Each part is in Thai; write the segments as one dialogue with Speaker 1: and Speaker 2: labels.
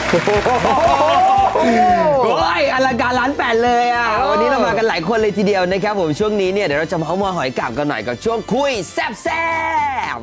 Speaker 1: โอ้ยอลังการล้านแปดเลยอ่ะวันนี้เรามากันหลายคนเลยทีเดียวนะครับผมช่วงนี้เนี่ยเดี๋ยวเราจะเมาส์มอยหอยกาบกันหน่อยกับช่วงคุยแซ่บแซ่บ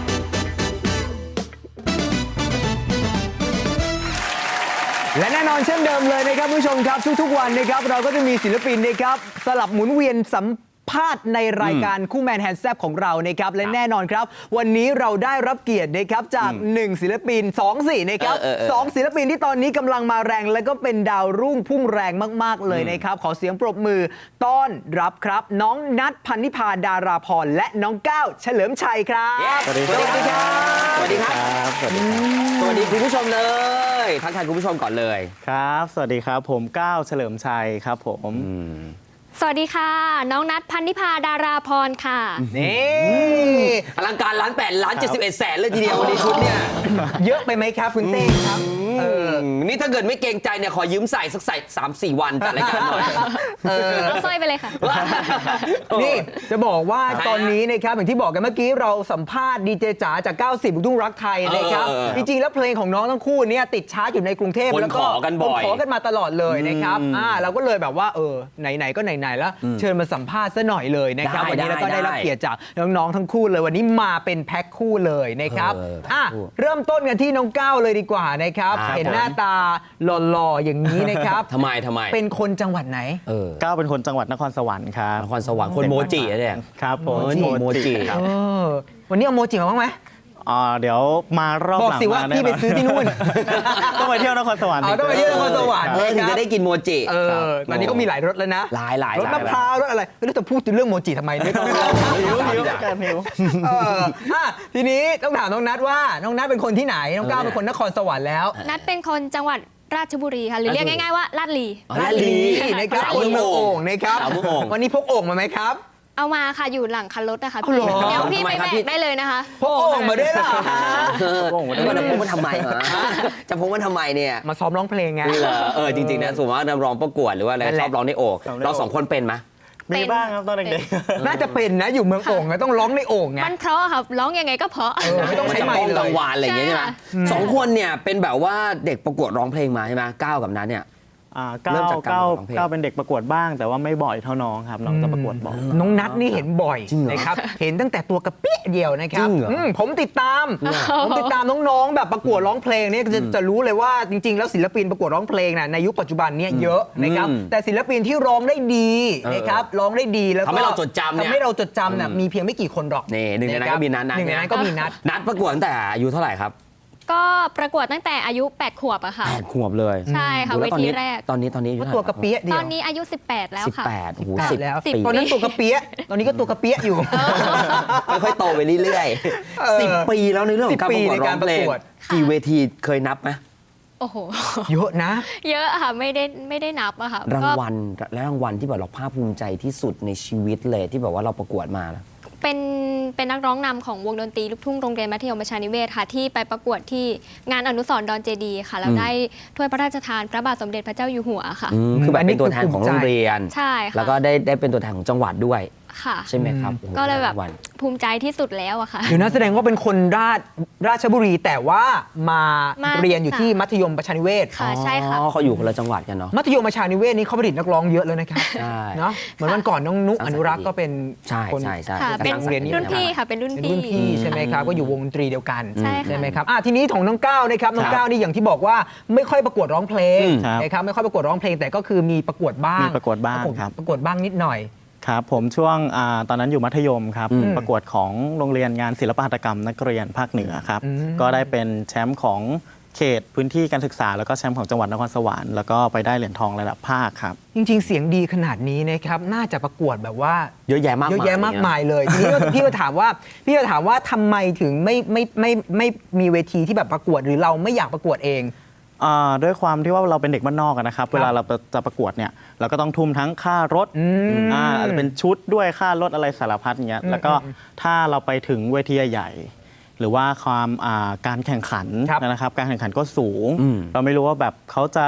Speaker 1: และแน่นอนเช่นเดิมเลยนะครับผู้ชมครับทุกๆวันนะครับเราก็จะมีศิลปินนะครับสลับหมุนเวียนสัมภาษณ์ในรายการคู่แมนแฮนด์แซบของเรานะครับและแน่นอนครับวันนี้เราได้รับเกียรตินะครับจาก1ศิลปิน2สินะครับ2ศิลปินที่ตอนนี้กำลังมาแรงและก็เป็นดาวรุ่งพุ่งแรงมากๆเลยนะครับขอเสียงปรบมือต้อนรับครับน้องนัทพันนิพาดาราพรและน้องก้าวเฉลิมชัยครับสวัสดีครับสวัสดีครับสวัสดีครับสวัสดีคุณผู้ชมเลยทักทายคุณผู้ชมก่อนเลย
Speaker 2: ครับสวัสดีครับผมก้าวเฉลิมชัยครับผม
Speaker 3: สวัสดีค่ะน้องนัทพันนิพาดาราพรค่ะ
Speaker 1: นี่อลังการล้าน8ล้าน71แสนเลยทีเดียววันนี้ชุดเนี่ยเยอะไปไหมครับคุณเต้ครับนี่ถ้าเกิดไม่เกรงใจเนี่ยขอยืมใส่สัก3-4 วันจัดรายการหน่อย
Speaker 3: เอาสร้อยไปเลยค่ะ
Speaker 1: นี่จะบอกว่าตอนนี้นะครับอย่างที่บอกกันเมื่อกี้เราสัมภาษณ์ดีเจจ๋าจาก90ลูกทุ่งรักไทยนะครับจริงๆแล้วเพลงของน้องทั้งคู่เนี่ยติดชาร์ตอยู่ในกรุงเทพแล้วก็ขอกันมาตลอดเลยนะครับเราก็เลยแบบว่าไหนๆก็ไหนๆแล้วเชิญมาสัมภาษณ์ซะหน่อยเลยนะครับวันนี้เราก็ได้รับเกียรติจากน้องๆทั้งคู่เลยวันนี้มาเป็นแพ็คคู่เลยนะครับเริ่มต้นกันที่น้องก้าวเลยดีกว่านะครับเห็นหน้าตาหล่อๆอย่างนี้นะครับ
Speaker 4: ทำไม
Speaker 1: เป็นคนจังหวัดไหน
Speaker 2: ก้าวเป็นคนจังหวัดนครสวรรค์ครับ
Speaker 4: นครสวรรค์คนโมจิเนี่ย
Speaker 2: ครับผม
Speaker 4: โมจิครับ
Speaker 1: วันนี้เอาโมจิมาบ้างไหม
Speaker 2: เดี๋ยวมารอบหลัง
Speaker 1: บอกสิว่าพี่ไปซื้อที่นู่น
Speaker 2: ต้องไปเที่ยวนครสวรรค์
Speaker 1: ต้องไปเที่ยวนครสวรรค์
Speaker 4: ถึงจะได้กินโมจิ
Speaker 1: ตอนนี้ก็มีหลายรสแล้วนะ
Speaker 4: หลาย
Speaker 1: รสมะพร้าวรสอะไรแล้วจะพูดถึงเรื่องโมจิทำไมไม่ต้อง
Speaker 2: หิว
Speaker 1: ทีนี้ต้องถามน้องนัทว่าน้องนัทเป็นคนที่ไหนน้องก้าวเป็นคนนครสวรรค์แล้ว
Speaker 3: นัทเป็นคนจังหวัดราชบุรีค่ะหรือเรียกง่ายๆว่าลาดลี
Speaker 1: นะครับคนเมืองโอ่งนะครับวันนี้พกโอ่งมาไหมครับ
Speaker 3: เอามาค่ะอยู่หลังคันรถนะคะพี่เดี๋ยวพี่ไปแบกได้เลยนะคะ
Speaker 1: พกโอ่งมาด้วยเหรอ
Speaker 4: พกมันทำไมจะพกมันทำไมเนี่ย
Speaker 1: มาซ้อมร้องเพลงไง
Speaker 4: จริงๆนะสมมติว่าร้องประกวดหรือว่าอะไรชอบร้องในโอ่งเรา2คนเป็นไหม
Speaker 2: มีบ้างครับตอนเด็ก
Speaker 1: ๆน่าจะเป็นนะอยู่เมืองโอ่งต้องร้องในโอ่งไง
Speaker 3: มันเพราะครับร้องยังไงก็เพราะ
Speaker 1: ไม่ต้องใช้ไมค์เลย
Speaker 4: กังวานอะไรอย่างเงี้ยใช่ไหม2คนเนี่ยเป็นแบบว่าเด็กประกวดร้องเพลงมาใช่ไหมก้าวกับนัทเนี่ย
Speaker 2: ก้าวเป็นเด็กประกวดบ้างแต่ว่าไม่บ่อยเท่าน้องครับน้องจะประกวดบ่อย
Speaker 1: น้องนัทนี่เห็นบ่อยนะครับเห็นตั้งแต่ตัวกระเปี้ยเดียวนะครับผมติดตามน้องๆแบบประกวดร้องเพลงเนี่ยจะรู้เลยว่าจริงๆแล้วศิลปินประกวดร้องเพลงในยุคปัจจุบันเนี่ยเยอะนะครับแต่ศิลปินที่ร้องได้ดีนะครับร้องได้ดีแล้วก็
Speaker 4: ทำให้เราจดจำ
Speaker 1: เนี่ยมีเพียงไม่กี่คนหรอก
Speaker 4: นี่หนึ่งในนั้นก็มีนัทประกวดตั้งแต่อายุเท่าไหร่ครับ
Speaker 3: ก็ประกวดตั้งแต่อายุ8 ขวบอะค่ะ
Speaker 4: 8 ขวบเลย
Speaker 3: ใช่ค่ะเวทีแรก
Speaker 4: ตอนนี้
Speaker 1: ตัวกระเปี้ยเดียว
Speaker 3: ตอนนี้อายุ18แล้วค่ะ
Speaker 4: 18โอ้โห
Speaker 1: 10แล้วตอนนั้นตัวกระเปี้ยตอนนี้ก็ตัวกระเปี้ยอยู่
Speaker 4: ค่อยๆโตไปเรื่อยๆ10 ปีแล้วในเรื่องของการประกวดร้องเพลงกี่เวทีเคยนับไหม
Speaker 3: โอ้โห
Speaker 1: เยอะนะ
Speaker 3: เยอะค่ะไม่ได้นับอะค่ะ
Speaker 4: รางวัลที่แบบเราภาคภูมิใจที่สุดในชีวิตเลยที่แบบว่าเราประกวดมา
Speaker 3: เป็นนักร้องนำของวงดนตรีลูกทุ่งโรงเรียนมัธยมประชานิเวศค่ะที่ไปประกวดที่งานอนุสรณ์ดอนเจดีค่ะแล้วได้ถ้วยพระราชทานพระบาทสมเด็จพระเจ้าอยู่หัวค่ะ
Speaker 4: คือแบบเป็นตัวแทนของโรงเรียน
Speaker 3: ใช่ค่ะ
Speaker 4: แล้วก็ได้เป็นตัวแทนของจังหวัดด้วย
Speaker 3: ค่ะ
Speaker 4: ใช่ไหมครับ
Speaker 3: ก็เลยแบบภูมิใจที่สุดแล้วอะค่ะ
Speaker 1: อยู่นะแสดงว่าเป็นคนราชบุรีแต่ว่ามาเรียนอยู่ที่มัธยมประชานิเวศ
Speaker 3: ค่ะใช่ค่ะ
Speaker 4: เขาอยู่คนละจังหวัดกันเนาะ
Speaker 1: มัธยมประชานิเวศนี่เขาผลิตนักร้องเยอะเลยนะครับเนาะเหมือนวันก่อนน้องนุ๊กอนุรักษ์ก็เป็น
Speaker 4: คน
Speaker 3: เป็นรุ่นพี่ค่ะเป็นรุ่น
Speaker 1: พี่ใช่ไหมครับก็อยู่วงดนตรีเดียวกันใช่ไหมครับทีนี้ของน้องก้าวนะครับน้องก้าวนี่อย่างที่บอกว่าไม่ค่อยประกวดร้องเพลงนะครับไม่ค่อยประกวดร้องเพลงแต่ก็คือมีประกวดบ้าง
Speaker 2: ประกวดบ้างครับ
Speaker 1: ประกวดบ้างนิดหน่อย
Speaker 2: ครับผมช่วงตอนนั้นอยู่มัธยมครับประกวดของโรงเรียนงานศิลปหัตถกรรมนักเรียนภาคเหนือครับก็ได้เป็นแชมป์ของเขตพื้นที่การศึกษาแล้วก็แชมป์ของจังหวัดนครสวรรค์แล้วก็ไปได้เหรียญทองระดับภาคครับ
Speaker 1: จริงๆเสียงดีขนาดนี้นะครับน่าจะประกวดแบบว่า
Speaker 4: เยอะแยะมาก
Speaker 1: มายเลยทีนี้พี่ก็ถามว่าทำไมถึงไม่มีเวทีที่แบบประกวดหรือเราไม่อยากประกวดเอง
Speaker 2: ด้วยความที่ว่าเราเป็นเด็กบ้านนอกนะครับเวลาเราจะประกวดเนี่ยเราก็ต้องทุ่มทั้งค่ารถอาจจะเป็นชุดด้วยค่ารถอะไรสารพัดอย่างเงี้ยแล้วก็ถ้าเราไปถึงเวทีใหญ่หรือว่าการแข่งขันนะครับการแข่งขันก็สูงเราไม่รู้ว่าแบบเขาจะ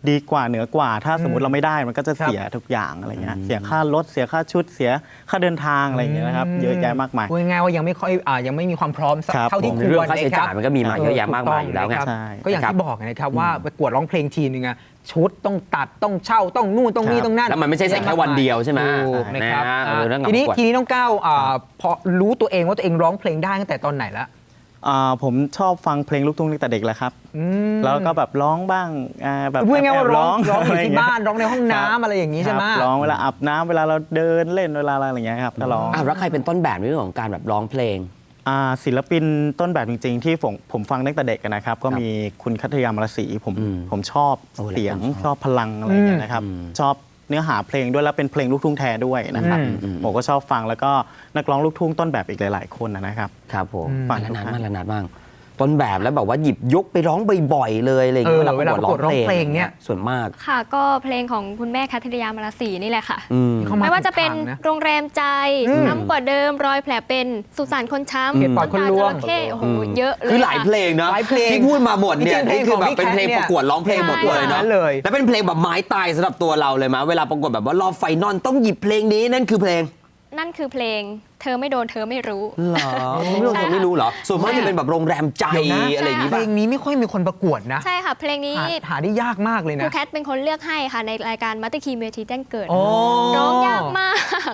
Speaker 2: ดีกว่าเหนือกว่า ถ้าสมมติเราไม่ได้มันก็จะเสียทุกอย่างอะไรเงี้ยเสียค่ารถเสียค่าชุดเสียค่าเดินทางอะไรอย่างเงี้ยนะครับเยอะแยะมากมาย
Speaker 1: พูดง่ายๆว่ายังไม่ค่อยยังไม่มีความพร้อม
Speaker 2: ครับ
Speaker 1: เท่าที่ควร
Speaker 4: เรื่องค่าใช้จ่าย
Speaker 1: ะรับ
Speaker 4: มันก็มีมาเยอะแยะมากมายอยู่แล้วไง
Speaker 1: ถูกต้
Speaker 2: ใช่
Speaker 1: ก็อย่างที่บอกนะครับว่าประกวดร้องเพลงทีนึงอะชุดต้องตัดต้องเช่าต้องนู่นต้องนี่
Speaker 2: ครับ
Speaker 1: ต้องนั่น
Speaker 4: แล้วมันไม่ใช่ใส่แค่วันเดียวใช่ไหม
Speaker 1: ถูกนะครับ
Speaker 4: เรื่อง
Speaker 1: ทีนี้
Speaker 4: ประกวด
Speaker 1: ทีนี้น้องก้าวพอรู้ตัวเองว่าตัวเองร้องเพลงได้ตั้งแต่ตอนไหนละ
Speaker 2: ผมชอบฟังเพลงลูกทุ่งตั้งแต่เด็กแล้วครับ แล้วก็แบบร้องบ้างแบบ
Speaker 1: พูดง่ายๆว่า
Speaker 2: แบ
Speaker 1: ร้องอยู่
Speaker 2: ะไร
Speaker 1: ที่
Speaker 2: เงี้ย
Speaker 1: บ้านร้องในห้องน้ำ
Speaker 2: ครับ
Speaker 1: อะไรอย่างนี้ใช่ไหม
Speaker 2: ครับร้องเวลาอาบน้ำเวลาเราเดินเล่นเวลาอะไรอย่างเงี้ยครับก็ร้อง
Speaker 4: แล้วใครเป็นต้นแบบในเรื่องของการแบบร้องเพลง
Speaker 2: ศิลปินต้นแบบจริงๆ ที่ผมฟังตั้งแต่เด็กนะครับ ก็มีคุณคัทยามรศรีผมชอบ
Speaker 4: โอ้หลายคน
Speaker 2: เสียงชอบพลังอะไรอย่างเงี้ยนะครับชอบเนื้อหาเพลงด้วยแล้วเป็นเพลงลูกทุ่งแท้ด้วยนะครับผมก็ชอบฟังแล้วก็นักร้องลูกทุ่งต้นแบบอีกหลายๆคนนะครับ
Speaker 4: ครับผม
Speaker 2: ฟัง
Speaker 4: แล้ว
Speaker 2: ทุก
Speaker 4: นาน
Speaker 2: ท่าน
Speaker 4: มากแล้วนานบ้างต้นแบบแล้วแบบว่าหยิบยกไปร้องบ่อยๆเลยอะไรอย่างเงี้ย
Speaker 1: เวลาประกวดร้องเพลงเนี่ย
Speaker 4: ส่วนมาก
Speaker 3: ค่ะก็เพลงของคุณแม่คัทริยามราศีนี่แหละค่ะ
Speaker 1: เข้า
Speaker 3: ไม่ว่าจะเป็น
Speaker 1: ถูกทงนะ
Speaker 3: โรงแรมใจช้ำกว่าเดิมรอยแผลเป็นสุสานคนช้ำ
Speaker 1: เหตุปอดคนลวง
Speaker 3: น้ำตาจระเข้โอ้โหเยอะเลย
Speaker 4: คือหลายเพลงนะ
Speaker 1: หลายเพลง
Speaker 4: ที่พูดมาหมดเนี่ย
Speaker 1: จริงๆ
Speaker 4: นี่คือแบบ
Speaker 1: เพลงของ
Speaker 4: เป็นเพลง
Speaker 1: พี่แคทเนี่ย
Speaker 4: ประกวดร้องเพลงหมดเลย
Speaker 1: ใช่
Speaker 4: เนาะ
Speaker 1: เลย
Speaker 4: แล้วเป็นเพลงแบบไม้ตายสำหรับตัวเราเลยมั้ยเวลาประกวดแบบว่ารอบไฟนอลต้องหยิบเพลงนี้นั่นคือเพลง
Speaker 3: นั่นคือเพลงเธอไม่โดนเธอไม่รู้
Speaker 4: เหรอไม่รู้เหรอส่วนมากจะเป็นแบบโรงแรมใจ
Speaker 1: เดี๋ยวนะ
Speaker 4: อะไรอย่างงี้
Speaker 1: เพ
Speaker 4: ป่ะ
Speaker 1: ลงนี้ไม่ค่อยมีคนประกวดนะ
Speaker 3: ใช่ค่ะ เพลงนี้
Speaker 1: หาได้ยากมากเลย
Speaker 3: ครู
Speaker 1: นะ
Speaker 3: แคทเป็นคนเลือกให้ค่ะในรายการมัตติคีเวทีแจ้งเกิด
Speaker 1: โอ้
Speaker 3: ร้องยากมาก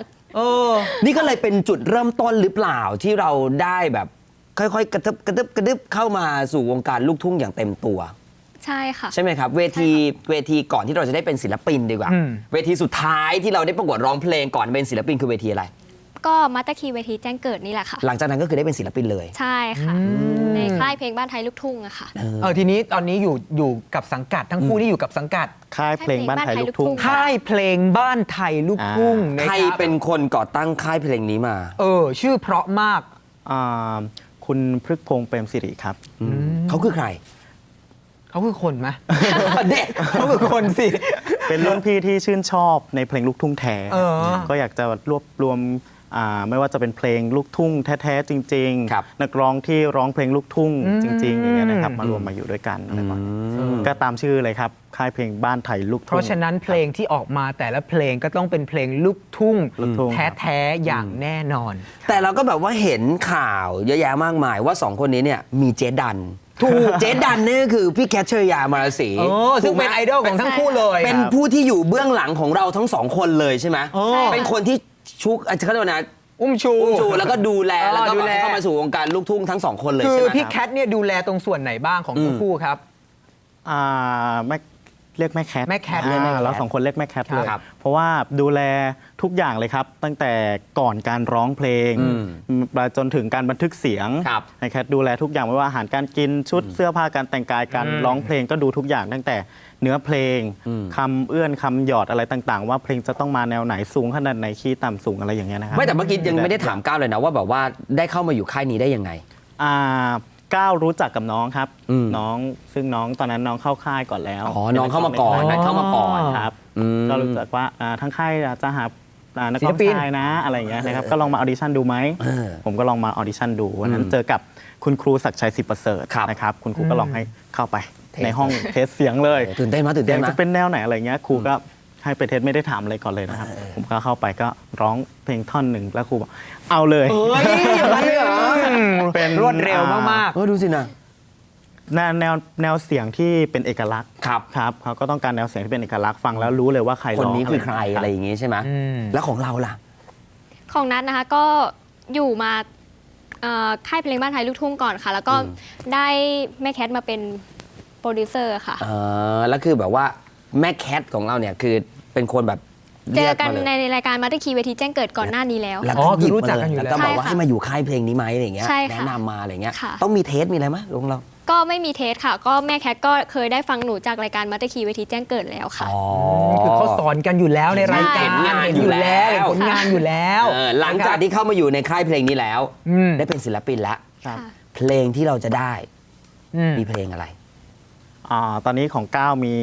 Speaker 4: นี่ก็เลยเป็นจุดเริ่มต้นหรือเปล่าที่เราได้แบบค่อยๆกระทึบเข้ามาสู่วงการลูกทุ่งอย่างเต็มตัว
Speaker 3: ใช่ค่ะ
Speaker 4: ใช่ไหมครับเวทีก่อนที่เราจะได้เป็นศิลปินดีกว่า เวทีสุดท้ายที่เราได้ประกวดร้องเพลงก่อนเป็นศิลปินคือเวทีอะไร
Speaker 3: ก็มัตติคีเวทีแจ้งเกิดนี่แหละค่ะ
Speaker 4: หลังจากนั้นก็คือได้เป็นศิลปินเลย
Speaker 3: ใช่ค่ะ ในค่ายเพลงบ้านไทยลูกทุ่งอะค่ะ
Speaker 1: ทีนี้ตอนนี้อยู่กับสังกัดทั้งคู่ที่อยู่กับสังกัด
Speaker 2: ค่ายเพลงบ้านไทยลูกทุ่ง
Speaker 1: ค่ายเพลงบ้านไทยลูกทุ่งนะ
Speaker 4: ใคร
Speaker 1: ครับ
Speaker 4: เป็นคนก่อตั้งค่ายเพลงนี้มา
Speaker 1: ชื่อเพราะมาก
Speaker 2: คุณพฤกษ์พงษ์เปรมสิริครับ
Speaker 4: เขาคือใคร
Speaker 1: เขาคือคนไหม
Speaker 4: เด็ก
Speaker 1: เขาคือคนสิ
Speaker 2: เป็นรุ่นพี่ที่ชื่นชอบในเพลงลูกทุ่งแท้ ก็อยากจะรวบรวมไม่ว่าจะเป็นเพลงลูกทุ่งแท้ๆจริง
Speaker 4: ครับ
Speaker 2: นักร้องที่ร้องเพลงลูกทุ่งจริงๆอย่างเงี้ยนะครับมารวมมาอยู่ด้วยกันอะไรประมาณนี้ก็ตามชื่อเลยครับค่ายเพลงบ้านไทยลูก
Speaker 1: เพ
Speaker 2: ทุ่ง
Speaker 1: ราะฉะนั้นเพลงที่ออกมาแต่ละเพลงก็ต้องเป็นเพลงลูกทุ่ง
Speaker 2: ลูกทุ่ง
Speaker 1: แท้ๆอย่างแน่นอน
Speaker 4: แต่เราก็แบบว่าเห็นข่าวเยอะแยะมากมายว่าสองคนนี้เนี่ยมีเจ๊ดันถูกเจ๊ดันนี่ก็คือพี่แคทเชอร์ยามาราศี
Speaker 1: ซึ่งเป็นไอดอลของทั้งคู่เลย
Speaker 4: เป็นผู้ที่อยู่เบื้องหลังของเราทั้งสองคนเลยใช่ไหม
Speaker 3: ใช่ค่ะ
Speaker 4: เป็นคนที่ชุกเขาเรียกว่านะ
Speaker 1: อุ้มชู
Speaker 4: แล้วก็ดูแลแล้วก็
Speaker 1: ดูแล
Speaker 4: เข้ามาสู่วงการลูกทุ่งทั้งสองคนเลย
Speaker 1: คือ
Speaker 4: ใช่ไหม
Speaker 1: พี่
Speaker 4: ค
Speaker 1: แครับ ทเนี่ยดูแลตรงส่วนไหนบ้างของทั้งคู่ครับ
Speaker 2: แม่เรียกแม่แคท
Speaker 1: แม่แคท
Speaker 2: เราสองคนเรียกแม่แคทเลย
Speaker 4: ครับ
Speaker 2: เพราะว่าดูแลทุกอย่างเลยครับ ตั้งแต่ก่อนการร้องเพลงมาจนถึงการบันทึกเสียง
Speaker 4: ครับ
Speaker 2: แม่แคทดูแลทุกอย่างไม่ว่าอาหารการกินชุดเสื้อผ้าการแต่งกายการร้องเพลงก็ดูทุกอย่างตั้งแต่เนื้อเพลงคำเอื้อนคำหยอดอะไรต่างๆ ว่าเพลงจะต้องมาแนวไหนสูงขนาดไหนคีย์ต่ำสูงอะไรอย่างเงี้ยนะครับ
Speaker 4: ไม่แต่เมื่อกี้ยังไม่ได้ถามก้าวเลยนะว่าแบบว่าได้เข้ามาอยู่ค่ายนี้ได้ยังไง
Speaker 2: ก้าวรู้จักกับน้องครับ
Speaker 4: อืม
Speaker 2: น้องซึ่งน้องตอนนั้นน้องเข้าค่ายก่อนแล้ว
Speaker 4: อ๋อน้องเข้ามาก่อนนัดเข้ามาก่อน
Speaker 2: ครับ
Speaker 4: อืม
Speaker 2: ก็รู้จักว่าทั้งค่ายจะหานัก
Speaker 1: ศิ
Speaker 2: ร้
Speaker 1: ล
Speaker 2: อง
Speaker 1: ปิน
Speaker 2: ชายนะอะไรอย่างเงี้ยนะครับก็ลองมาออดิชั่นดูไหม
Speaker 4: เออ
Speaker 2: ผมก็ลองมาออดิชั่นดูวันนั้นเจอกับคุณครูศักดิ์ชัยศิประเสริฐ
Speaker 4: ครับ
Speaker 2: นะครับคุณครูก็ลองให้เข้าไป
Speaker 4: เทส
Speaker 2: ในห้องเทสเสียงเลย
Speaker 4: ตื่นเต้นไหมตื่น
Speaker 2: เสี
Speaker 4: เต้
Speaker 2: ย
Speaker 4: น
Speaker 2: ง
Speaker 4: ไหม
Speaker 2: จะเป็นแนวไหนอะไรเงี้ยครูก็ให้ไปเทสไม่ได้ถามอะไรก่อนเลยนะครับผมก็เข้าไปก็ร้องเพลงท่อนหนึ่งแล้วครูบอกเอาเลย
Speaker 4: เฮ้ยอย่างนั้นเลยเหรอ
Speaker 2: เป็น
Speaker 1: รวดเร็วมาก
Speaker 4: ดูสินะ
Speaker 2: แนวเสียงที่เป็นเอกลักษณ์
Speaker 4: ครับ
Speaker 2: ครับเขาก็ต้องการแนวเสียงที่เป็นเอกลักษณ์ฟังแล้วรู้เลยว่าใคร
Speaker 4: คน
Speaker 2: ร้อง
Speaker 4: นี้คือใคร
Speaker 2: บ
Speaker 4: อะไรอย่างงี้ใช่ไหม แล้วของเราล่ะ
Speaker 3: ของนัทนะคะก็อยู่มาค่ายเพลงบ้านไทยลูกทุ่งก่อนค่ะ แล้วก็ได้แม่แคทมาเป็นโปรดิวเซอร์ค่ะ
Speaker 4: แล้วคือแบบว่าแม่แคทของเราเนี่ยคือเป็นคนแบบ
Speaker 3: เจอกัน
Speaker 4: รียมา
Speaker 3: ใน
Speaker 4: เลย
Speaker 3: รายการมัตติคีเวทีแจ้งเกิดก่อนหน้านี้แล้ว
Speaker 4: แล้ว
Speaker 1: อ๋อ
Speaker 4: หยิบ
Speaker 1: คือรู้จัก
Speaker 4: มา
Speaker 1: กันอยู่แล้ว
Speaker 4: แล้วก็บอกว่า
Speaker 3: ใช่ค่ะ
Speaker 4: ให้มาอยู่ค่ายเพลงนี้ไหมอะไรอย่างเงี้ย
Speaker 3: ใช่ค่ะ
Speaker 4: แนะนำมาอะไรเงี้ย
Speaker 3: ค่ะ
Speaker 4: ต้องมีเทสมีอะไรไหมลุงเรา
Speaker 3: ก็ไม่มีเทสค่ะ ก็แม่แคทก็เคยได้ฟังหนูจากรายการมัตติคีเวทีแจ้งเกิดแล้วค่ะ
Speaker 1: คือเขาสอนกันอยู่แล้วในรายการ
Speaker 4: เห็นงาน
Speaker 1: เห็น
Speaker 4: อยู่
Speaker 1: อยู่แล้ว
Speaker 4: แล้ว
Speaker 1: เห็นผลงานอยู่แล้ว
Speaker 4: หลังจากที่เข้ามาอยู่ในค่ายเพลงนี้แล้ว
Speaker 1: อืม
Speaker 4: ได้เป็นศิลปินแล้ว
Speaker 2: ครับ
Speaker 3: ค่ะ
Speaker 4: เพลงที่เราจะได้
Speaker 1: อืม
Speaker 4: มีเพลงอะไร
Speaker 2: ตอนนี้ของก้าวมี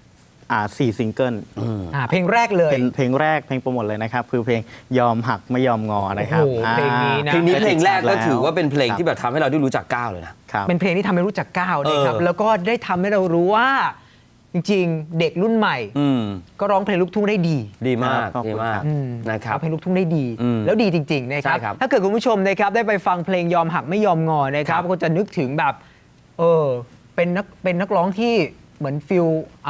Speaker 2: 4ซิงเกิล
Speaker 1: เพลงแรกเลย
Speaker 2: เป็นเพลงแรกเพลงโปรโมทเลยนะครับ คือเพลงยอมหักไม่ยอมงอนะครับ
Speaker 1: โอ้โหเพลงนี้นะ
Speaker 4: เพลงนี้เพลงแรกก็
Speaker 2: ล้ว
Speaker 4: ถือว่าเป็นเพลงที่แบบทำให้เราได้รู้จักก้าวเลยนะ
Speaker 2: ครับ
Speaker 1: เป็นเพลงที่ทำให้รู้จักก้าวนะครับ
Speaker 4: เออ
Speaker 1: แล้วก็ได้ทำให้เรารู้ว่าจริงๆ เด็กรุ่นใหม่
Speaker 4: อืม
Speaker 1: ก็ร้องเพลงลูกทุ่งได้ดี
Speaker 4: ดีมาก
Speaker 2: ขอบคุณ
Speaker 4: ดีมาก
Speaker 2: ครับ
Speaker 4: นะครับ
Speaker 1: ร้องเพลงลูกทุ่งได้ดี
Speaker 4: อืม
Speaker 1: แล้วดีจริงๆนะครับ
Speaker 4: ใช่ครับ
Speaker 1: ถ้าเกิดคุณผู้ชมนะครับได้ไปฟังเพลงยอมหักไม่ยอมงอนะครับ
Speaker 4: ครับ
Speaker 1: ก็จะนึกถึงแบบเป็นนักร้องที่เหมือนฟิล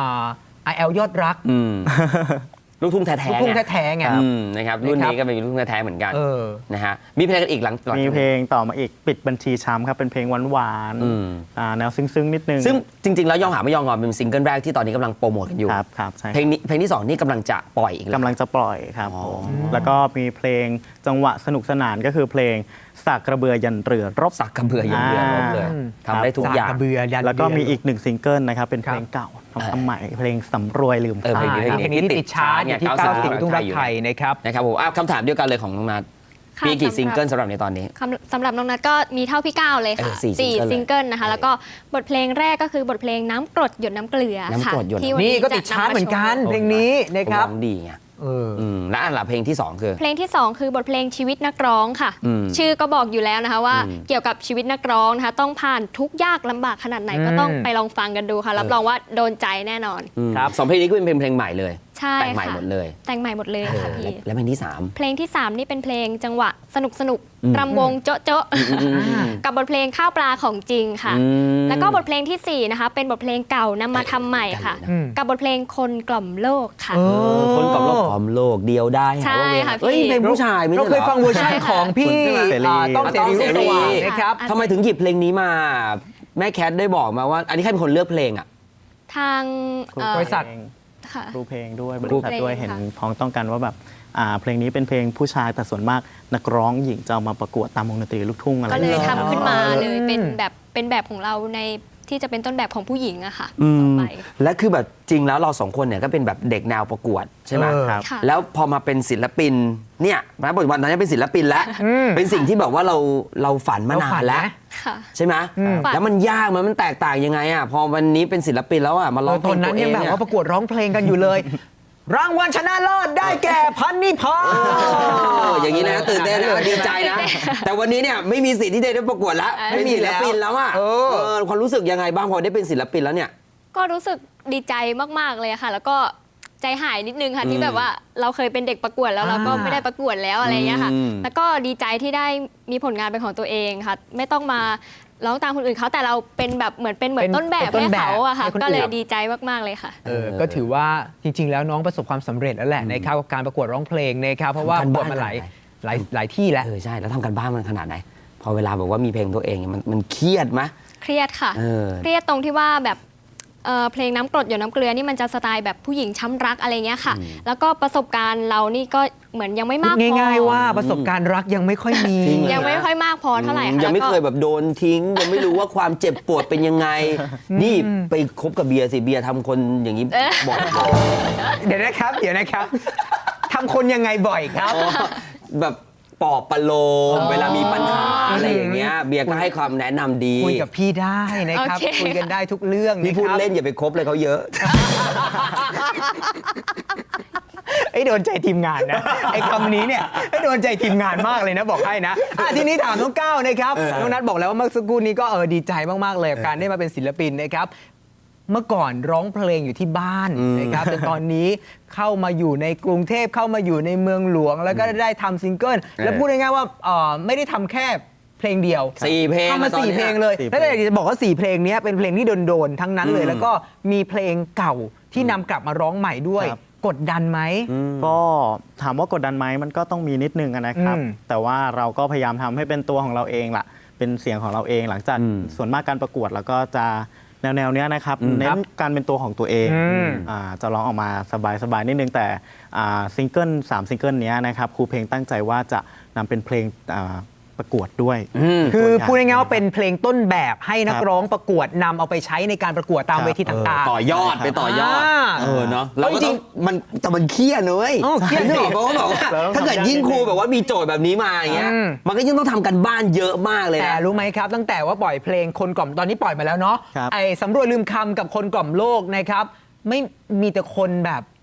Speaker 1: IL ยอดรัก
Speaker 4: อืม ลูกทุ่งแท้ๆ
Speaker 1: ลูกทุ่ง
Speaker 4: ไง
Speaker 1: แท้ๆไง
Speaker 4: นะครับรุ่นนี้ก็เป็นลูกทุ่งแท้ๆเหมือนกัน
Speaker 1: เออ
Speaker 4: นะฮะมีเพลงกันอีกหลัง
Speaker 2: มีเพลงต่อมาอีกปิดบัญชีช้ำครับเป็นเพลงหวาน
Speaker 4: อืม
Speaker 2: ๆแนวซึ้งๆนิดนึง
Speaker 4: ซึ่งจริง ๆ แล้วยอมหาไม่ยอมงอนเป็นซิงเกิลแรกที่ตอนนี้กำลังโปรโมทกันอยู่
Speaker 2: ครับใช่
Speaker 4: เพลงที่สองนี่กำลังจะปล่อยอีกแล้ว
Speaker 2: กำลังจะปล่อยครับ
Speaker 4: อ๋อ
Speaker 2: ผมแล้วก็มีเพลงจังหวะสนุกสนานก็คือเพลงสากกระเบือยันเรือรบ
Speaker 4: สักกระเบืออย่างเดียวรบเลย
Speaker 1: อืม
Speaker 4: ทำได้ทุกอย่าง
Speaker 1: สกระเบือยัน
Speaker 2: แล้วก็มี
Speaker 1: เรื
Speaker 2: อีกหนึ่งซิงเกิลนะครับเป็นเพลงเก่าทำใหม่เพลงสำรวยลืม
Speaker 4: เออ
Speaker 2: ค่า
Speaker 1: เพลงนี้ที่ติดชาร์ตอยู่ที่ 90 ลูกทุ่งรักไทยนะครับ
Speaker 4: นะครับผมคำถามเดียวกันเลยของน้องนัท
Speaker 3: ค่ะ
Speaker 4: มีกี่
Speaker 3: สำหรับ
Speaker 4: ซิงเกิลสำหรับในตอนนี้
Speaker 3: สำหรับน้องนัทก็มีเท่าพี่ก้าวเลยค่ะ
Speaker 4: สี่ซิงเกิลเลย
Speaker 3: ซิงเกิลนะคะ แล้วก็บทเพลงแรกก็คือบทเพลงน้ำกรดหยดน้ำเกลือ
Speaker 4: น้ำ
Speaker 3: ค่ะ
Speaker 4: กรดหยด
Speaker 3: ที่วั
Speaker 1: นี่ก็
Speaker 3: จะ
Speaker 1: ติดชาร์ตเหมือนกัน
Speaker 3: ำาโชว์
Speaker 1: เพลงนี้นะครับ
Speaker 4: ร้องดีไง
Speaker 1: เออ
Speaker 4: และอันหลังเพลงที่สองคือ
Speaker 3: เพลงที่ 2 คือบทเพลงชีวิตนักร้องค่ะ
Speaker 4: อืม
Speaker 3: ชื่อก็บอกอยู่แล้วนะคะว่า
Speaker 4: อืม
Speaker 3: เกี่ยวกับชีวิตนักร้องนะคะต้องผ่านทุกข์ยากลำบากขนาดไหนก็ต้องไปลองฟังกันดูค่ะ รับรองว่าโดนใจแน่นอน
Speaker 1: ครับ
Speaker 4: สองเพลงนี้ก็เป็นเพลงใหม่เลย
Speaker 3: ใช่
Speaker 4: แต่งใหม่
Speaker 3: ค่ะ
Speaker 4: หมดเลย
Speaker 3: แต่งใหม่หมดเลยค่ะพี่
Speaker 4: และเพลงที่สาม
Speaker 3: เพลงที่ 3 นี่เป็นเพลงจังหวะสนุกสนุก
Speaker 4: อืม
Speaker 3: รำวงโจ๊ะโจ๊ะกับบทเพลงข้าวปลาของจริงค่ะ แล้วก็บทเพลงทีสี่4นะคะเป็นบทเพลงเก่านำมาทำใหม่ค่ะ
Speaker 1: อืม
Speaker 3: กับบทเพลงคนกล่อมโลกค่ะ
Speaker 1: เออ
Speaker 4: คนกล่อมโลกกล่อมโลกเดียวได้
Speaker 3: ใช่ค่ะพี่
Speaker 4: เอ้ยเพลงผู้ชายไม่
Speaker 1: เรา
Speaker 4: ใช่
Speaker 1: เค
Speaker 4: เหร
Speaker 1: ย
Speaker 4: อ
Speaker 1: ฟังเวอร์ชันของพี่
Speaker 2: คุณเสรี
Speaker 1: ต้องเสรีรุ่งสว่างนะครับ
Speaker 3: อ่ะ
Speaker 4: ทำไมถึงหยิบเพลงนี้มา แม่แคทได้บอกมาว่า อันนี้ใครเป็นคนเลือกเพลงอ่ะ
Speaker 3: ทางเอ่อบ
Speaker 1: ริษัท
Speaker 3: ค่ะ
Speaker 2: ครูเพลงด้วยบ
Speaker 3: ครู
Speaker 2: ริษัท
Speaker 3: เพลง
Speaker 2: ด้วยเห็น
Speaker 3: ค่ะ
Speaker 2: พ้องต้องกันว่าแบบเพลงนี้เป็นเพลงผู้ชายแต่ส่วนมากนักร้องหญิงจะเอามาประกวดตามวงดนตรีลูกทุ่งอะไร
Speaker 3: ก็เลย
Speaker 2: อย่าง
Speaker 3: ทำ
Speaker 2: เงี้ย
Speaker 3: ขึ้นมาเลยเป็นแบบของเราในที่จะเป็นต้นแบบของผู้หญิงอะค่ะ
Speaker 4: อื
Speaker 3: ต่อ
Speaker 4: ม
Speaker 3: ไป
Speaker 4: และคือแบบจริงแล้วเราสองคนเนี่ยก็เป็นแบบเด็กแนวประกวดใช่ไหม
Speaker 1: เออ
Speaker 2: ครับ
Speaker 3: ค่ะ
Speaker 4: แล้วพอมาเป็นศิลปินเนี่ยณปัจจุบันตอนนี้เป็นศิลปินแล้ว เป็นสิ่งที่แบบว่าเราฝันมา
Speaker 1: เรา
Speaker 4: นา
Speaker 1: ฝั
Speaker 4: น
Speaker 1: น
Speaker 4: แล้ว
Speaker 1: นะ
Speaker 3: ค่ะ
Speaker 4: ใช่ไหม
Speaker 3: ฝัน
Speaker 4: แล้วมันยากมันแตกต่างยังไงอ่ะพอวันนี้เป็นศิลปินแล้วอ่ะมาร้องเพ
Speaker 1: ต
Speaker 4: ล
Speaker 1: อน
Speaker 4: ง
Speaker 1: นั้
Speaker 4: ตั
Speaker 1: น
Speaker 4: วเอ
Speaker 1: ยัง
Speaker 4: ง
Speaker 1: แบบ
Speaker 4: เนี่ย
Speaker 1: ว่าประกวดร้องเพลงกันอยู่เลย รางวัลชนะเลิศได้แก่พันนิพา
Speaker 4: อย่างนี้นะตื่นเต้นนะดีใจนะ แต่วันนี้เนี่ยไม่มีสิทธิ์ที่จะได้ประกวดแล้ว
Speaker 1: ไม่
Speaker 4: เป็น
Speaker 1: มี
Speaker 4: ศิลปินแล้วอ่ะ
Speaker 1: เออ
Speaker 4: ความรู้สึกยังไงบ้างพอได้เป็นศิลปินแล้วเนี่ย
Speaker 3: ก็รู้สึกดีใจมาก ๆ เลยค่ะ แล้วก็ใจหายนิดนึงค่ะที่แบบว่าเราเคยเป็นเด็กประกวดแล้วเราก็ไม่ได้ประกวดแล้วอะไรอย่างเงี้ยค่ะ
Speaker 4: อืม
Speaker 3: แล้วก็ดีใจที่ได้มีผลงานเป็นของตัวเองค่ะ ไม่ต้องมาร้องตามคนอื่นเขาแต่เราเป็นแบบเหมือนต้นแบบ
Speaker 1: เป็นต้
Speaker 3: ให้
Speaker 1: นแบบ
Speaker 3: เขาอะค่ะ
Speaker 1: ให้คนอื่น
Speaker 3: ก็เลยดีใจมาก ๆ เลยค่ะ
Speaker 1: ก็ถือว่าจริง ๆ แล้วน้องประสบความสำเร็จแล้วแหละนะครับกับการประกวดร้องเพลงนะครับเพราะว่า
Speaker 4: ทำการ
Speaker 1: ประกวด
Speaker 4: บ้าน
Speaker 1: มาหลาย
Speaker 4: ขนาดไหน
Speaker 1: หลายที่แล้ว
Speaker 4: ใช่แล้วทำกันบ้านมันขนาดไหน พอเวลาแบบว่ามีเพลงตัวเองเนี่ยมันเครียดไหม
Speaker 3: เครียดค่ะ
Speaker 4: เออ
Speaker 3: เครียดตรงที่ว่าแบบเพลงน้ำกรดหยดน้ำเกลือนี่มันจะสไตล์แบบผู้หญิงช้ำรักอะไรเงี้ยค่ะ แล้วก็ประสบการณ์เรานี่ก็เหมือนยังไม่มากพอ
Speaker 1: ง่ายๆว่าประสบการณ์รักยังไม่ค่อยมี
Speaker 4: จริงเหรอ
Speaker 3: ยังไม่ค่อยมากพอเท่าไหร่ค่ะ
Speaker 4: ยังไม่
Speaker 3: แล้วก็
Speaker 4: เคยแบบโดนทิ้ง ยังไม่รู้ว่าความเจ็บปวดเป็นยังไง นี่ไปคบกับเบียร์สิเบียร์ทำคนอย่างนี้บ่อยเลย
Speaker 1: เดี๋ยวนะครับทำคนยังไงบ่อยครับ
Speaker 4: อ๋อแบบปลอบประโลมเวลามีปัญหาอะไรอย่างเงี้ยเบียร์ก็ให้ความแนะนำดี
Speaker 1: คุยกับพี่ได้นะครับ
Speaker 3: โอเค
Speaker 1: คุยกันได้ทุกเรื่อง
Speaker 4: พี่พูด
Speaker 1: นะครับ
Speaker 4: เล่นอย่าไปคบเลยเขาเยอะ
Speaker 1: ไอ้โดนใจทีมงานนะ ไอ้คำนี้เนี่ยไอ้โดนใจทีมงานมากเลยนะบอกให้นะทีนี้ถามน้องก้าวนะครับน้องนัทบอกแล้วว่าเมื่อสักครู่นี้ก็ดีใจมากๆเลยกับการได้มาเป็นศิลปินนะครับเมื่อก่อนร้องเพลงอยู่ที่บ้านนะครับแต่ตอนนี้เข้ามาอยู่ในกรุงเทพเข้ามาอยู่ในเมืองหลวง แล้วก็ได้ทำซิงเกิลแล้วพูดง่ายๆว่าไม่ได้ทำแค่เพลงเดียว
Speaker 4: 4 เพลง
Speaker 1: ทำมา
Speaker 4: ตอน
Speaker 1: 4
Speaker 4: นี้
Speaker 1: เพลงเลย
Speaker 2: 4
Speaker 1: แล้วอยากจะบอกว่า 4 เพลงนี้เป็นเพลงที่โดนๆทั้งนั้นเลย แล้วก็มีเพลงเก่าที่นำกลับมาร้องใหม่ด้วย
Speaker 2: ครับ
Speaker 1: กดดันไหม
Speaker 2: ก็ถามว่ากดดันไหมมันก็ต้องมีนิดนึงอะนะครับ แต่ว่าเราก็พยายามทำให้เป็นตัวของเราเองล่ะ เป็นเสียงของเราเองหลังจากส่วนมากการประกวดแล้วก็จะแนวเนี้ยนะครับเน้นการเป็นตัวของตัวเองจะร้องออกมาสบายๆนิดนึงแต่ซิงเกิล3ซิงเกิลเนี้ยนะครับครูเพลงตั้งใจว่าจะนำเป็นเพลงประกวดด้วย
Speaker 1: คือ
Speaker 2: ตัวอย่าง
Speaker 1: พูดง่ายๆว่าเป็นเพลงต้นแบบให้นัก
Speaker 2: ครับ
Speaker 1: ร้องประกวดนำเอาไปใช้ในการประกวดตามเวทีต่างๆ
Speaker 4: ต่อยอดไปต่อยอด เนาะเราก็
Speaker 1: จริ
Speaker 4: ต้อง งมันแต่มันเครียดเลย
Speaker 1: อ๋อเครียดสิ
Speaker 4: นึกออกปะว่าแบบว่า
Speaker 2: เราต้อง
Speaker 4: ถ้าเกิด
Speaker 2: ทำยาก
Speaker 4: ยิ่งครู
Speaker 2: นิดนึง
Speaker 4: แบบว่ามีโจทย์แบบนี้มาอย่างเงี้ย
Speaker 1: อืม
Speaker 4: มันก็ยิ่งต้องทำกันบ้านเยอะมากเลย
Speaker 1: แต่
Speaker 4: นะ
Speaker 1: รู้ไหมครับ ตั้งแต่ว่าปล่อยเพลงคนกล่อมตอนนี้ปล่อยมาแล้วเนาะ
Speaker 2: ครับ
Speaker 1: ไอ้สำรวจลืมคำกับคนกล่อมโลกนะครับไม่มีแต่คนแบบ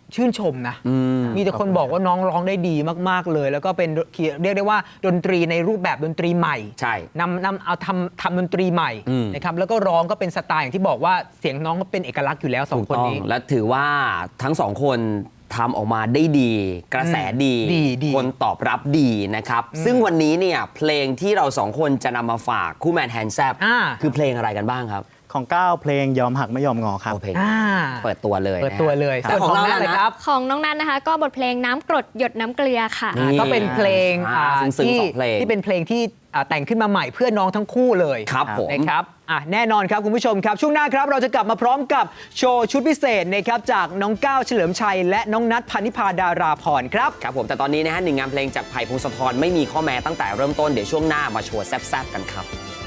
Speaker 1: ชื่นชมนะ มีแต่คนบอกว่าน้องร้องได้ดีมากๆเลย แล้วก็เป็นเรียกได้ว่าดนตรีในรูปแบบดนตรีใหม่
Speaker 4: ใช่
Speaker 1: เอาทำดนตรีใหม่นะครับแล้วก็ร้องก็เป็นสไตล์อย่างที่บอกว่าเสียงน้องก็เป็นเอกลักษณ์อยู่แล้วสองคนนี้
Speaker 4: และถือว่าทั้งสองคนทำออกมาได้ดี กระแสดี
Speaker 1: ดี
Speaker 4: คนตอบรับดีนะครับ ซึ่งวันนี้เนี่ยเพลงที่เราสองคนจะนำมาฝากคู่แมนแฮนด์แซบ คือเพลงอะไรกันบ้างครับ
Speaker 2: ของก้าวเพลงยอมหักไม่ยอมงอครับ
Speaker 4: โอเพลง
Speaker 1: อ่า
Speaker 4: เปิดตัวเลย
Speaker 1: เปิดตัวเลย
Speaker 4: แต่ของเรา
Speaker 1: ส่วน
Speaker 4: ล่ะ
Speaker 1: เลย
Speaker 4: นะ
Speaker 1: ครับ
Speaker 3: ของน้องนัทนะคะ ก็บทเพลงน้ำกรดหยดน้ำเกลือค่ะ
Speaker 4: นี่
Speaker 1: ก็เป็นเพลง
Speaker 4: ซึ้งๆ
Speaker 1: ที่
Speaker 4: สองเพลง
Speaker 1: ที่เป็นเพลงที่แต่งขึ้นมาใหม่เพื่อน้องทั้งคู่เลย
Speaker 4: ครับผม
Speaker 1: นะครับแน่นอนครับคุณผู้ชมครับช่วงหน้าครับเราจะกลับมาพร้อมกับโชว์ชุดพิเศษนะครับจากน้องก้าวเฉลิมชัยและน้องนัทพานิพาดาราพรครับ
Speaker 4: ครับผมแต่ตอนนี้นะฮะหนึ่งงานเพลงจากไผ่พงศธรไม่มีข้อแม้ตั้งแต่เริ่มต้นเดี๋ยวช่วงหน้ามาโชว์แซ่บๆกันครับ